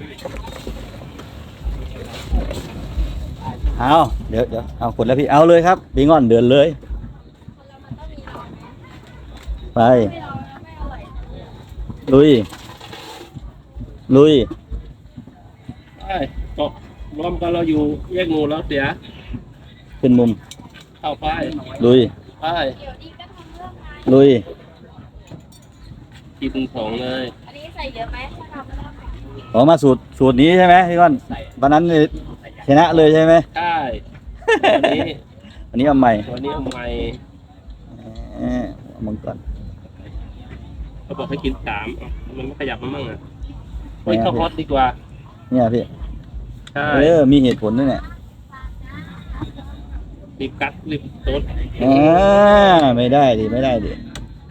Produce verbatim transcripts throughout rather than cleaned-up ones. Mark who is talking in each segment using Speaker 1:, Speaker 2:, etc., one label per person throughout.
Speaker 1: เอาเดี๋ยวเดี๋ยวเอากดแล้วพี่เอาเลยครับพี่งอนเดินเลยไปลุยลุย
Speaker 2: ไปตกรวมกันเราอยู่แยกหมู่แล้วเสีย
Speaker 1: ขึ้นมุม
Speaker 2: เข้าไป
Speaker 1: ลุย
Speaker 2: ไป
Speaker 1: ลุย
Speaker 2: กินของเลย
Speaker 3: อันนี้ใส่เยอะไหม
Speaker 1: ออกมาสูตรสูตรนี้ใช่ไหมพี่ก้อนวันนั้นชนะเลยใช่ไหม
Speaker 2: ใช่วันนี้
Speaker 1: วันนี้เอาใหม่
Speaker 2: วันนี้เอาใหม่
Speaker 1: เอามังกร
Speaker 2: เขาบอกให้กินสามมันไม่ขยับมันมั่งอ่ะเฮ้ยเข้าฮอตดีกว่า
Speaker 1: เนี่ยพี่
Speaker 2: ใช่
Speaker 1: เออมีเหตุผลด้วยเนี่ย
Speaker 2: รีบกัดรีบต้น
Speaker 1: อ่าไม่ได้ดิไม่ได้ดิ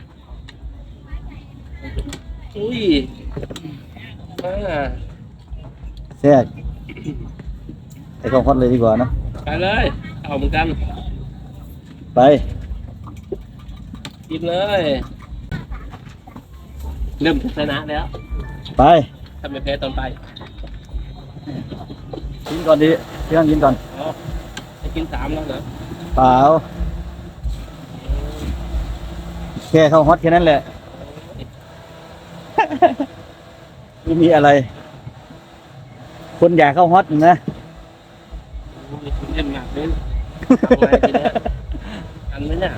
Speaker 2: อุ้ยมา
Speaker 1: แทรกไอ้ของฮอตเลยดีกว่าเนาะ
Speaker 2: ไปเลยเอาเหมือนกัน
Speaker 1: ไป
Speaker 2: กินเลยเริ่มชนะแล้ว
Speaker 1: ไป
Speaker 2: ทำไมแพ้ตอนไป
Speaker 1: กินก่อนดิพี่ต้องกินก่อน
Speaker 2: อ๋อจะกินสามแล้วเหรอ
Speaker 1: เปล่าแค่เข้าฮอตแค่นั้นแหละไม่มีอะไรคนอยากเข้าฮอตนะ
Speaker 2: คุณเล่นหนักเลยทำไงทีนี้อันนี้เนี่ย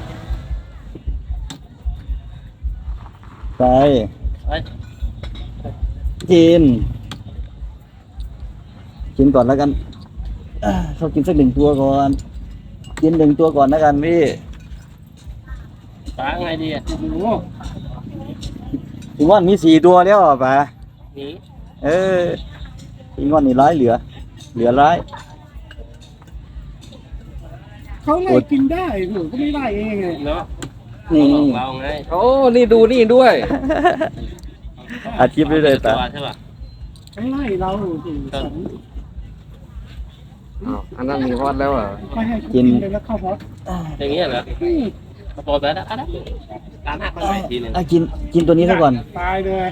Speaker 1: ไป
Speaker 2: ไป
Speaker 1: กินกินก่อนแล้วกันเขากินสักหนึ่งตัวก่อนกินหนึ่งตัวก่อนแล้วกันพี่
Speaker 2: ป้าไงดีอ่ะดู
Speaker 1: พี่ง่อนมีสี่ตัวแล้วป่ะ
Speaker 2: นี่
Speaker 1: เออพี่ง่อนนี่ร้ายเหลือเหลือร้าย
Speaker 4: เขาไล่กินได้หนูก็ไม่ได้เองไง
Speaker 2: เนาะ
Speaker 1: นี่
Speaker 2: เราไง
Speaker 4: โอ้นี่ดูนี่ด้วย
Speaker 1: อาชีพได้เลยแต่
Speaker 2: ใช่ป่ะ
Speaker 4: เขาไล่เราถึงสอง
Speaker 5: อันนั้นมีฮอตแล้วเหรอ
Speaker 4: ไม่ให้กินเลยแล้วเข้าฮอต
Speaker 2: อย่างเงี้ยเหรอมาปล่อยไปแล้วนะตามหักไปทีนึง
Speaker 1: กินกินตัวนี้ซะก่อน
Speaker 4: ตายเลย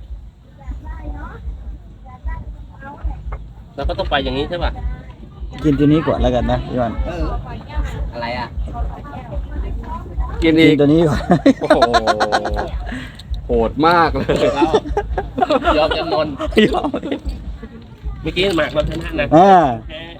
Speaker 2: แล้วก็ต้องไปอย่างนี้ใช่ป่ะ
Speaker 1: กินตัวนี้ก่อนแล้วกันนะพี่วัน
Speaker 5: อะไรอ่ะ
Speaker 1: กินอีกตัวนี้ก่อน
Speaker 5: โอ้โหโหดมากเลย
Speaker 2: เรายอมจำนนเมื่อกี้หมากเราชนะนะ
Speaker 1: อ่า